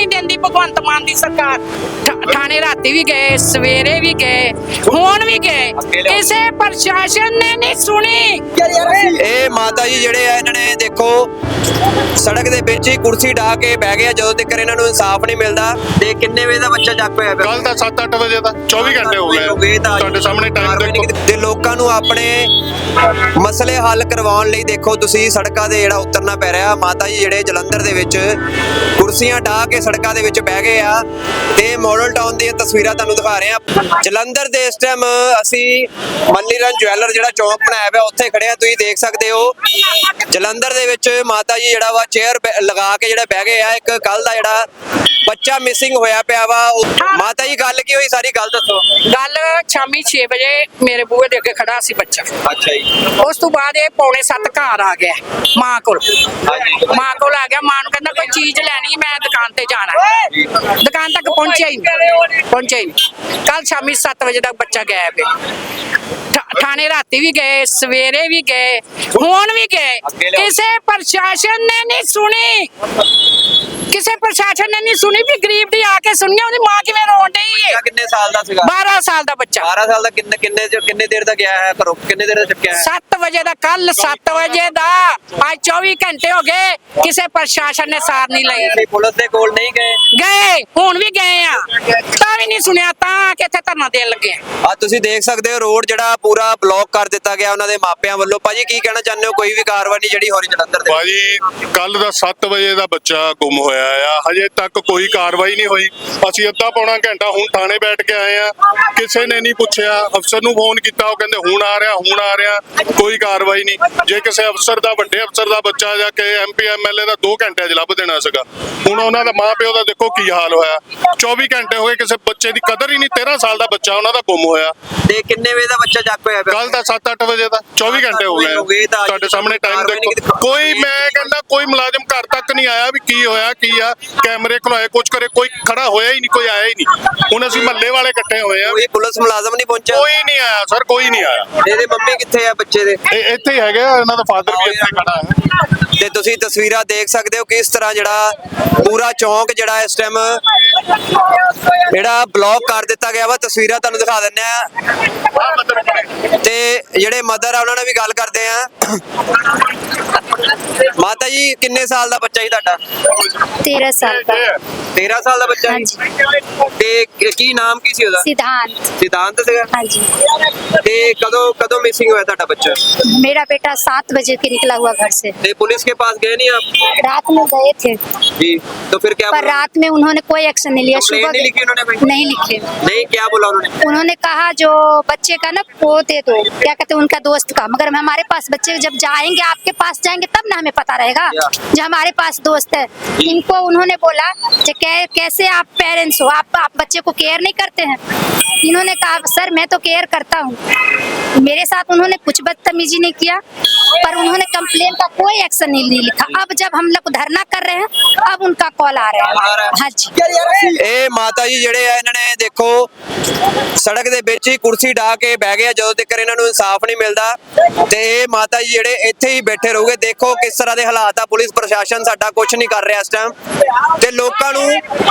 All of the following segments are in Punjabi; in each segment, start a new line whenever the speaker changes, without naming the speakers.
नहीं देंदी भगवंत मान दी सरकार। थाने राती भी गए, सवेरे भी गए, हुण भी गए, किसी प्रशासन ने नहीं सुनी।
ਇਹ ਮਾਤਾ ਜੀ ਜਿਹੜੇ ਆ ਇਹਨਾਂ ਨੇ ਦੇਖੋ ਸੜਕ ਦੇ ਵਿੱਚ ਹੀ ਕੁਰਸੀ ਢਾ ਕੇ ਬਹਿ ਗਏ ਜਦੋਂ ਤੱਕ ਇਹਨਾਂ ਨੂੰ ਇਨਸਾਫ ਨਹੀਂ ਮਿਲਦਾ। ਤੇ ਕਿੰਨੇ ਵਜੇ ਦਾ ਬੱਚਾ ਜੱਗ ਪਿਆ?
ਕੱਲ ਦਾ 7-8 ਵਜੇ ਦਾ 24 ਘੰਟੇ ਹੋ ਗਏ ਤੁਹਾਡੇ ਸਾਹਮਣੇ ਟਾਈਮ ਦੇਖੋ।
ਤੇ ਲੋਕਾਂ ਨੂੰ ਆਪਣੇ ਮਸਲੇ ਹੱਲ ਕਰਵਾਉਣ ਲਈ ਦੇਖੋ ਤੁਸੀਂ ਸੜਕਾਂ ਦੇ ਜਿਹੜਾ ਉਤਰਨਾ ਪੈ ਰਿਹਾ। ਮਾਤਾ ਜੀ ਜਿਹੜੇ ਜਲੰਧਰ ਦੇ ਵਿੱਚ ਕੁਰਸੀਆਂ ਢਾ ਕੇ ਸੜਕਾਂ ਦੇ ਵਿੱਚ ਬਹਿ ਗਏ ਆ ਤੇ ਮਾਡਲ ਟਾਊਨ ਦੀਆਂ ਤਸਵੀਰਾਂ ਤੁਹਾਨੂੰ ਦਿਖਾ ਰਹੇ ਆ। ਜਲੰਧਰ ਦੇ ਇਸ ਟਾਈਮ ਅਸੀਂ ਮੱਲੀਰਨ ਜਵੈਲਰ ਜਿਹੜਾ ਚੌਂਕ ਬਣਾਇਆ ਹੋਇਆ ਉੱਥੇ ਖੜੇ ਆ। ਤੁਸੀਂ ਦੇਖ ਸਕਦੇ ਹੋ ਜਲੰਧਰ ਦੇ ਵਿੱਚ ਮਾਤਾ ਜੀ ਜਿਹੜਾ ਵਾ ਚੇਅਰ ਲਗਾ ਕੇ ਜਿਹੜਾ ਬਹਿ ਗਏ ਆ। ਇੱਕ ਕੱਲ ਦਾ ਜਿਹੜਾ ਬੱਚਾ ਮਿਸਿੰਗ ਹੋਇਆ ਪਿਆ ਵਾ। ਮਾਤਾ ਜੀ ਗੱਲ ਕੀ ਹੋਈ ਸਾਰੀ ਗੱਲ ਦੱਸੋ।
गल शामी 6 बजे मेरे बूहे दे अगे खड़ा सी बच्चा।
ਅੱਛਾ ਜੀ।
उस तो बाद ये 6:45 घर आ गया मां कोल। मां कोल आ गया, मां नूं कहंदा कोई चीज लैनी, मैं दुकान ते जाना है। दुकान तक पहुंचा ही नहीं। कल शामी 7 बजे तक बच्चा गायब है। थाने राती भी गए, सवेरे भी गए, हुण भी गए, किसी प्रशासन ने नहीं सुनी। किसी प्रशासन ने नहीं सुनी भी गरीब दी आके सुनिए ਉਹਦੀ ਮਾਂ ਕਿਵੇਂ ਰੋਣ ਡਈ ਏ।
ਕਿੰਨੇ ਸਾਲ ਦਾ ਸੀਗਾ?
12 ਸਾਲ ਦਾ ਬੱਚਾ।
12 ਸਾਲ ਦਾ ਕਿੰਨੇ ਦੇਰ ਦਾ ਗਿਆ ਹੈ ਘਰੋਂ? ਕਿੰਨੇ ਦੇਰ ਦਾ ਚੱਕਿਆ ਹੈ?
7 ਵਜੇ ਦਾ, ਕੱਲ 7 ਵਜੇ ਦਾ। ਅੱਜ 24 ਘੰਟੇ ਹੋ ਗਏ, ਕਿਸੇ ਪ੍ਰਸ਼ਾਸਨ ਨੇ ਸਾਰ ਨਹੀਂ ਲਈ।
ਤੁਸੀਂ ਪੁਲਿਸ ਦੇ ਕੋਲ ਨਹੀਂ
ਗਏ, ਹੁਣ ਵੀ ਗਏ ਆ, ਤਾਂ ਵੀ ਨਹੀਂ ਸੁਣਿਆ, ਤਾਂ ਕਿ ਇੱਥੇ ਧਰਨਾ ਦੇਣ ਲੱਗੇ ਆ।
ਤੁਸੀਂ ਦੇਖ ਸਕਦੇ ਹੋ ਰੋਡ ਜਿਹੜਾ ਪੂਰਾ ਬਲੌਕ ਕਰ ਦਿੱਤਾ ਗਿਆ ਉਹਨਾਂ ਦੇ ਮਾਪਿਆਂ ਵੱਲੋਂ। ਭਾਜੀ ਕੀ ਕਹਿਣਾ ਚਾਹੁੰਦੇ ਹੋ? ਕੋਈ ਵੀ ਕਾਰਵਾਈ ਨਹੀਂ ਜਿਹੜੀ ਹੋ ਰਹੀ ਜਲੰਧਰ ਦੇ?
ਭਾਜੀ ਕੱਲ ਦਾ 7 ਵਜੇ ਦਾ ਬੱਚਾ ਗੁੰਮ ਹੋਇਆ ਆ, ਹਜੇ ਤੱਕ ਕੋਈ ਕਾਰਵਾਈ ਨਹੀਂ ਹੋਈ। ਅਸੀਂ ਅੱਧਾ ਪੌਣਾ ਘੰਟਾ ਹੁਣ ਥਾਣੇ ਬੈਠ ਕੇ ਆਏ ਆ, ਕਿਸੇ ਨੇ ਨਹੀਂ ਪੁੱਛਿਆ। ਅਫਸਰ ਨੂੰ ਫੋਨ ਕੀਤਾ, ਉਹ ਕਹਿੰਦੇ ਹੁਣ ਆ ਰਿਹਾ, ਕੋਈ ਕਾਰਵਾਈ ਨਹੀਂ। ਜੇ ਕਿਸੇ ਅਫਸਰ ਦਾ, ਵੱਡੇ ਅਫਸਰ ਦਾ ਬੱਚਾ ਜਾਂ ਕਿ MP MLA ਦਾ 2 ਘੰਟਿਆਂ 'ਚ ਲੱਭ ਦੇਣਾ ਸੀਗਾ। ਹੁਣ ਉਹਨਾਂ ਦਾ ਮਾਂ ਪਿਓ ਦਾ ਦੇਖੋ ਕੀ ਹਾਲ ਹੋਇਆ। 24 ਘੰਟੇ ਹੋ ਗਏ, ਕਿਸੇ ਬੱਚੇ ਦੀ ਕਦਰ ਹੀ ਨਹੀਂ। 13 ਸਾਲ ਦਾ ਬੱਚਾ ਉਹਨਾਂ ਦਾ ਗੁੰਮ ਹੋਇਆ।
ਤੇ ਕਿੰਨੇ ਵਜੇ ਦਾ ਬੱਚਾ ਜੱਗ ਪਿਆ?
ਕੱਲ ਦਾ 7-8 ਵਜੇ ਦਾ 24 ਘੰਟੇ ਹੋ ਗਏ ਤੁਹਾਡੇ ਸਾਹਮਣੇ ਟਾਈਮ ਦੇਖੋ। ਕੋਈ, ਮੈਂ ਕਹਿੰਦਾ ਕੋਈ ਮੁਲਾਜ਼ਮ ਘਰ ਤੱਕ ਨਹੀਂ ਆਇਆ ਵੀ ਕੀ ਹੋਇਆ ਕੀ ਆ। ਕੈਮਰੇ ਖੁਲਾਏ, ਕੁਝ ਕਰੇ, ਕੋਈ ਖੜਾ ਹੋਇਆ ਹੀ ਨਹੀਂ, ਕੋਈ ਆਇਆ ਹੀ ਨਹੀਂ। ਹੁਣ ਅਸੀਂ ਮਹੱਲੇ ਵਾਲੇ ਇਕੱਠੇ ਹੋਏ ਆ।
ਕੋਈ ਪੁਲਿਸ ਮੁਲਾਜ਼ਮ ਨਹੀਂ ਪਹੁੰਚਿਆ?
ਕੋਈ ਨਹੀਂ ਆਇਆ ਸਰ, ਕੋਈ ਨਹੀਂ ਆਇਆ।
ਇਹਦੇ ਮੰਮੀ ਕਿੱਥੇ ਆ ਬੱਚੇ ਦੇ?
ਇੱਥੇ ਹੀ ਹੈਗੇ ਆ, ਇਹਨਾਂ ਦਾ ਫਾਦਰ ਵੀ ਇੱਥੇ ਖੜਾ ਹੈ।
ਤੇ ਤੁਸੀਂ ਤਸਵੀਰਾਂ ਦੇਖ ਸਕਦੇ ਹੋ ਕਿਸ ਤਰ੍ਹਾਂ ਜਿਹੜਾ ਪੂਰਾ ਚੌਂਕ ਜਿਹੜਾ ਇਸ ਟਾਈਮ ਜਿਹੜਾ ਬਲੌਕ ਕਰ ਦਿੱਤਾ ਗਿਆ ਵਾ। ਤਸਵੀਰਾਂ ਤੁਹਾਨੂੰ ਦਿਖਾ ਦਿੰਦੇ ਆ ਤੇ ਜਿਹੜੇ ਮਦਰ ਆ ਉਹਨਾਂ ਨਾਲ ਵੀ ਗੱਲ ਕਰਦੇ ਆ। ਮਾਤਾ ਜੀ ਕਿੰਨੇ ਸਾਲ ਦਾ ਬੱਚਾ ਜੀ ਤੁਹਾਡਾ?
13 साल का।
13 ਸਾਲ ਦਾ ਬੱਚਾ?
हाँ जी।
ਤੇ ਕੀ ਨਾਮ ਕੀ ਸੀ ਉਹਦਾ?
सिद्धांत।
ਸਿਧਾਂਤ ਸੀਗਾ?
हाँ जी।
ਤੇ ਕਦੋਂ ਮਿਸਿੰग ਹੋਇਆ ਤੁਹਾਡਾ ਬੱਚਾ?
मेरा बेटा 7 बजे के निकला हुआ घर से।
ਤੇ ਪੁਲਿस के पास गए नहीं आप?
रात में गए थे,
जी। तो फिर क्या
पर
बोला?
रात में उन्होंने कोई एक्शन नहीं लिया।
कंप्लेंट नहीं लिखी उन्होंने कोई?
नहीं लिखे।
नहीं, क्या बोला उन्होंने?
उन्होंने कहा जो बच्चे का ना वो दे दो, क्या कहते हैं, उनका दोस्त का। मगर हमारे पास बच्चे जब जाएंगे, आपके पास जाएंगे तब ना हमें पता रहेगा जो हमारे पास दोस्त है। इनको उन्होंने बोला कि कैसे आप पेरेंट्स हो, आप बच्चे को केयर नहीं करते हैं। इन्होंने कहा सर मैं तो केयर करता हूँ। मेरे साथ उन्होंने कुछ बदतमीजी नहीं किया, पर उन्होंने कंप्लेन का कोई एक्शन नहीं लिखा। अब जब हम लोग धरना कर रहे हैं, अब उनका कॉल आ रहा है। हाँ जी।
ਇਹ ਮਾਤਾ ਜੀ ਜਿਹੜੇ ਆ ਇਹਨਾਂ ਨੇ ਦੇਖੋ ਸੜਕ ਦੇ ਵਿੱਚ ਹੀ ਕੁਰਸੀ ਢਾ ਕੇ ਬਹਿ ਗਏ ਜਦੋਂ ਤੱਕ ਇਹਨਾਂ ਨੂੰ ਇਨਸਾਫ ਨਹੀਂ ਮਿਲਦਾ। ਤੇ ਇਹ ਮਾਤਾ ਜੀ ਜਿਹੜੇ ਇੱਥੇ ਹੀ ਬੈਠੇ ਰਹੋਗੇ। ਦੇਖੋ ਕਿਸ ਤਰ੍ਹਾਂ ਦੇ ਹਾਲਾਤ ਆ। ਪੁਲਿਸ ਪ੍ਰਸ਼ਾਸਨ ਸਾਡਾ ਕੁਝ ਨਹੀਂ ਕਰ ਰਿਹਾ ਇਸ ਟਾਈਮ। ਤੇ ਲੋਕਾਂ ਨੂੰ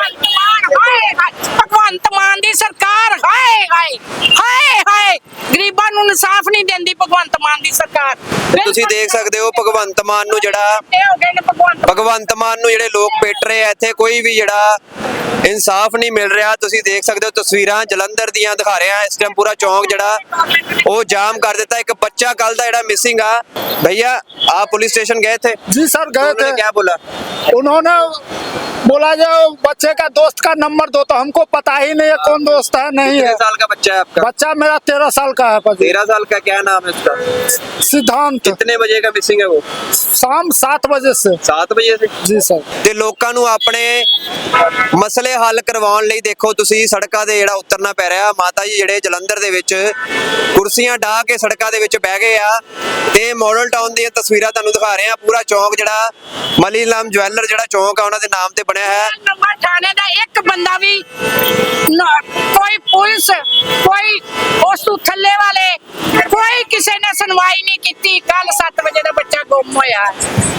ਭਗਵੰਤ ਮਾਨ ਦੀ ਸਰਕਾਰ ਹਾਏ ਹਾਏ ਹਾਏ ਹਾਏ ਗਰੀਬਾਂ ਨੂੰ ਇਨਸਾਫ ਨਹੀਂ ਦਿੰਦੀ ਭਗਵੰਤ ਮਾਨ ਦੀ ਸਰਕਾਰ।
ਤੁਸੀਂ ਦੇਖ ਸਕਦੇ ਹੋ ਭਗਵੰਤ ਮਾਨ ਨੂੰ ਜਿਹੜਾ ਭਗਵੰਤ ਮਾਨ ਨੂੰ ਜਿਹੜੇ ਲੋਕ ਪਿੱਟ ਰਹੇ ਆ ਇੱਥੇ, ਕੋਈ ਵੀ ਜਿਹੜਾ ਇਨਸਾਫ ਨਹੀਂ ਮਿਲ ਰਿਹਾ। ਤੁਸੀਂ ਦੇਖ ਸਕਦੇ ਹੋ ਤਸਵੀਰਾਂ ਜਲੰਧਰ ਦੀਆਂ ਦਿਖਾ ਰਿਹਾ ਇਸ ਟਾਈਮ। ਪੂਰਾ ਚੌਂਕ ਜਿਹੜਾ ਉਹ ਜਾਮ ਕਰ ਦਿੱਤਾ। ਇੱਕ ਬੱਚਾ ਕੱਲ ਦਾ ਜਿਹੜਾ ਮਿਸਿੰग ਆ। भैया आप पुलिस स्टेशन गए थे?
जी सर गए थे।
क्या बोला?
उन्होंने बोला जो बच्चे का दोस्त का नंबर दो, तो हमको पता ही नहीं है कौन दोस्त है नहीं है।
कितने साल का बच्चा है आपका?
बच्चा मेरा 13 साल का है।
13 साल का। क्या नाम है उसका?
सिद्धांत।
कितने बजे का मिसिंग है वो?
शाम 7 बजे से।
7 ਵਜੇ से?
जी सर।
ਤੇ ਲੋਕਾਂ ਨੂੰ ਆਪਣੇ ਮਸਲੇ ਹੱਲ ਕਰਵਾਉਣ ਲਈ ਦੇਖੋ ਤੁਸੀਂ ਸੜਕਾਂ ਦੇ ਜਿਹੜਾ ਉਤਰਨਾ ਪੈ ਰਿਹਾ। ਮਾਤਾ ਜੀ ਜਿਹੜੇ ਜਲੰਧਰ ਦੇ ਵਿੱਚ ਕੁਰਸੀਆਂ ਢਾ ਕੇ ਸੜਕਾਂ ਦੇ ਵਿੱਚ ਬਹਿ ਗਏ ਆ ਤੇ ਮਾਡਲ ਟਾਊਨ ਦੀਆਂ ਤਸਵੀਰਾਂ ਤੁਹਾਨੂੰ ਦਿਖਾ ਰਹੇ ਆ। ਪੂਰਾ ਚੌਂਕ ਜਿਹੜਾ ਮੱਲੀਰਨ ਜਵੈਲਰ ਜਿਹੜਾ ਚੌਂਕ ਆ ਉਹਨਾਂ ਦੇ ਨਾਮ ਤੇ ਬਣਿਆ ਹੈ।
ਨੰਬਰ ਥਾਣੇ ਦਾ ਇੱਕ ਬੰਦਾ ਵੀ ਕੋਈ ਪੁਲਿਸ, ਕੋਈ ਉਸ ਤੋਂ ਥੱਲੇ ਵਾਲੇ, ਕੋਈ ਕਿਸੇ ਨੇ ਸੁਣਵਾਈ ਨਹੀਂ ਕੀਤੀ। ਕੱਲ 7 ਵਜੇ ਦਾ ਬੱਚਾ ਗੁੰਮ ਹੋਇਆ।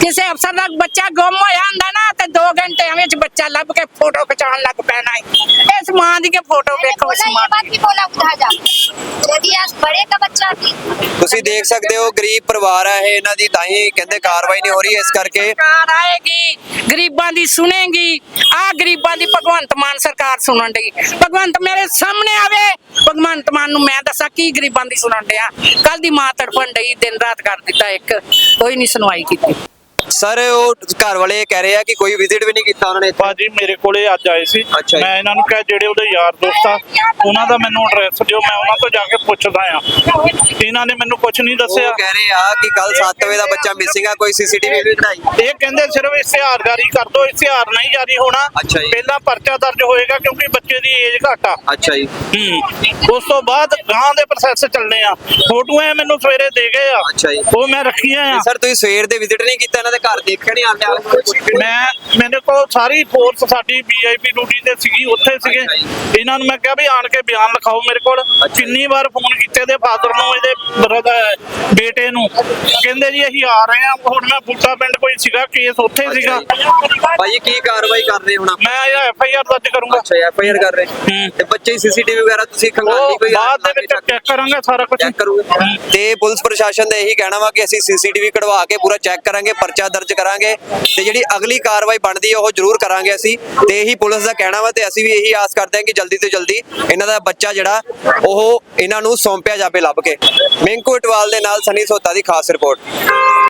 ਕਿਸੇ ਅਫਸਰ ਦਾ ਬੱਚਾ ਗੁੰਮ ਹੋਇਆ ਹੁੰਦਾ ਨਾ ਤੇ 2 ਘੰਟਿਆਂ ਵਿੱਚ ਬੱਚਾ ਲੱਭ ਕੇ ਫੋਟੋ ਖਿਚਾਉਣ ਲੱਗ ਪੈਣਾ ਹੈ। ਇਸ ਮਾਂ ਦੀ ਕੇ ਫੋਟੋ
मैंने
ਵੇਖੋ ਇਸ
बोला
ਮਾਂ
ये बात भी बोला उठा जा यदि आज बड़े का बच्चा थी
ਤੁਸੀਂ ਦੇਖ ਸਕਦੇ ਹੋ ਗਰੀਬ ਪਰਿਵਾਰ ਹੈ ਇਹ, ਇਹਨਾਂ ਦੀ ਤਾਂ ਹੀ ਕਹਿੰਦੇ ਕਾਰਵਾਈ ਨਹੀਂ ਹੋ ਰਹੀ ਇਸ ਕਰਕੇ
ਸਰਕਾਰ ਆਏਗੀ ਗਰੀਬਾਂ ਦੀ ਸੁਣੇਗੀ। ਆ ਗਰੀਬਾਂ ਦੀ ਭਗਵੰਤ ਮਾਨ ਸਰਕਾਰ ਸੁਣਨ ਡਈ। ਭਗਵੰਤ ਮੇਰੇ ਸਾਹਮਣੇ ਆਵੇ। ਭਗਵੰਤ ਮਾਨ ਨੂੰ ਮੈਂ ਦੱਸਾਂ ਕੀ ਗਰੀਬਾਂ ਦੀ ਸੁਣਨ ਡਿਆ। ਕੱਲ ਦੀ ਮਾਂ ਤੜਫਣ ਡਈ, ਦਿਨ ਰਾਤ ਕਰ ਦਿੱਤਾ ਇੱਕ, ਕੋਈ ਨਹੀਂ ਸੁਣਵਾਈ ਕੀਤੀ।
ਸਰ ਉਹ ਘਰ ਵਾਲੇ ਕਹਿ ਰਹੇ ਆ ਕਿ ਕੋਈ ਵਿਜ਼ਿਟ ਵੀ ਨਹੀਂ ਕੀਤਾ ਉਹਨਾਂ ਨੇ ਇੱਥੇ।
ਭਾਜੀ ਮੇਰੇ ਕੋਲੇ ਅੱਜ ਆਏ ਸੀ।
ਅੱਛਾ ਜੀ।
ਮੈਂ ਇਹਨਾਂ ਨੂੰ ਕਿਹਾ ਜਿਹੜੇ ਉਹਦੇ ਯਾਰ ਦੋਸਤ ਆ ਉਹਨਾਂ ਦਾ ਮੈਨੂੰ ਐਡਰੈਸ ਦਿਓ, ਮੈਂ ਉਹਨਾਂ ਤੋਂ ਜਾ ਕੇ ਪੁੱਛਦਾ ਆ। ਇਹਨਾਂ ਨੇ ਮੈਨੂੰ ਕੁਝ ਨਹੀਂ ਦੱਸਿਆ।
ਉਹ ਕਹਿ ਰਹੇ ਆ ਕਿ ਕੱਲ 7 ਵਜੇ ਦਾ ਬੱਚਾ ਮਿਸਿੰਗ ਆ, ਕੋਈ ਸੀਸੀਟੀਵੀ ਵੀ ਕਢਾਈ।
ਇਹ ਕਹਿੰਦੇ ਸਿਰਫ ਇਸ਼ਤਿਹਾਰ ਜਾਰੀ ਕਰ ਦਿਓ, ਇਸ਼ਤਿਹਾਰ ਨਹੀਂ ਜਾਰੀ ਹੋਣਾ।
ਅੱਛਾ ਜੀ।
ਪਹਿਲਾਂ ਪਰਚਾ ਦਰਜ ਹੋਏਗਾ ਕਿਉਂਕਿ ਬੱਚੇ ਦੀ ਏਜ ਘੱਟ ਆ।
ਅੱਛਾ ਜੀ।
ਉਸ ਤੋਂ ਬਾਅਦ ਗਾਂ ਦੇ ਪ੍ਰੋਸੈਸ ਚੱਲਣੇ ਆ। ਫੋਟੋਆਂ ਮੈਨੂੰ ਸਵੇਰੇ ਦੇ ਗਏ ਆ,
ਅੱਛਾ ਜੀ।
ਉਹ ਮੈਂ ਰੱਖੀਆਂ ਆ।
ਸਰ ਤੁਸੀਂ ਸਵੇਰ ਦੇ ਵਿਜ਼ਿਟ ਨਹੀਂ ਕੀਤਾ ਇਹਨਾਂ ਦੇ ਘਰ, ਦੇਖਿਆ ਨਹੀਂ ਆਂਦੇ?
ਮੇਰੇ ਕੋਲ ਸਾਰੀ ਫੋਰਸ ਸਾਡੀ ਵੀਆਈਪੀ ਡਿਊਟੀ ਤੇ ਸੀਗੀ, ਉੱਥੇ ਸੀਗੇ।
ਅੱਛਾ ਜੀ।
ਇਹਨਾਂ ਨੂੰ ਮੈਂ ਕਿਹਾ ਵੀ ਆਣ ਕੇ ਬਿਆਨ ਲਿਖਾਓ ਮੇਰੇ ਕੋਲ। ਕਿੰਨੀ ਵਾਰ ਫੋਨ ਕੀਤੇ ਦੇ ਫਾਦਰ ਨੂੰ, ਇਹਦੇ ਬ੍ਰਦਰ ਬੇਟੇ ਨੂੰ, ਕਹਿੰਦੇ ਜੀ ਅਸੀਂ ਆ ਰਹੇ ਹਾਂ। ਹੁਣ ਮੈਂ ਬੁੱਟਾ ਪਿੰਡ ਕੋਈ ਸੀਗਾ ਕੇਸ, ਉੱਥੇ ਸੀਗਾ।
ਭਾਜੀ ਕੀ ਕਾਰਵਾਈ ਕਰ ਰਹੇ ਹੁਣ?
ਮੈਂ ਐਫਆਈਆਰ ਦਰਜ ਕਰੂੰਗਾ।
ਅੱਛਾ ਐਫਆਈਆਰ ਕਰ ਰਹੇ ਤੇ ਬੱਚੇ ਸੀਸੀਟੀਵੀ ਵਗੈਰਾ ਤੁਸੀਂ ਖੰਗਾਲੀ
ਉਹ
ਕੋਈ
ਬਾਅਦ ਦੇ ਵਿੱਚ ਚੈੱਕ ਕਰਾਂਗੇ ਸਾਰਾ ਕੁਝ।
ਚੈੱਕ ਕਰੂਗੇ ਤੇ ਪੁਲਿਸ ਪ੍ਰਸ਼ਾਸਨ ਦਾ ਇਹੀ ਕਹਿਣਾ ਵਾ ਕਿ ਅਸੀਂ ਸੀਸੀਟੀਵੀ ਕਢਵਾ ਕੇ ਪੂਰਾ ਚੈੱਕ ਕਰਾਂਗੇ, ਪਰਚਾ ਦਰਜ ਕਰਾਂਗੇ ਤੇ ਜਿਹੜੀ ਅਗਲੀ ਕਾਰਵਾਈ ਬਣਦੀ ਹੈ ਉਹ ਜ਼ਰੂਰ ਕਰਾਂਗੇ ਅਸੀਂ। ਤੇ ਇਹੀ ਪੁਲਿਸ ਦਾ ਕਹਿਣਾ ਵਾ ਤੇ ਅਸੀਂ ਵੀ ਇਹੀ ਆਸ ਕਰਦੇ ਹਾਂ ਕਿ ਜਲਦੀ ਤੋਂ ਜਲਦੀ ਇਹਨਾਂ ਦਾ ਬੱਚਾ ਜਿਹੜਾ ਉਹ ਇਹਨਾਂ ਨੂੰ ਸੌਂਪਿਆ ਜਾਵੇ ਲੱਭ ਕੇ। ਮਿੰਕੂ ਇਟਵਾਲ ਦੇ ਨਾਲ ਸਨੀ ਸੋਤਾ ਦੀ ਖਾਸ ਰਿਪੋਰਟ।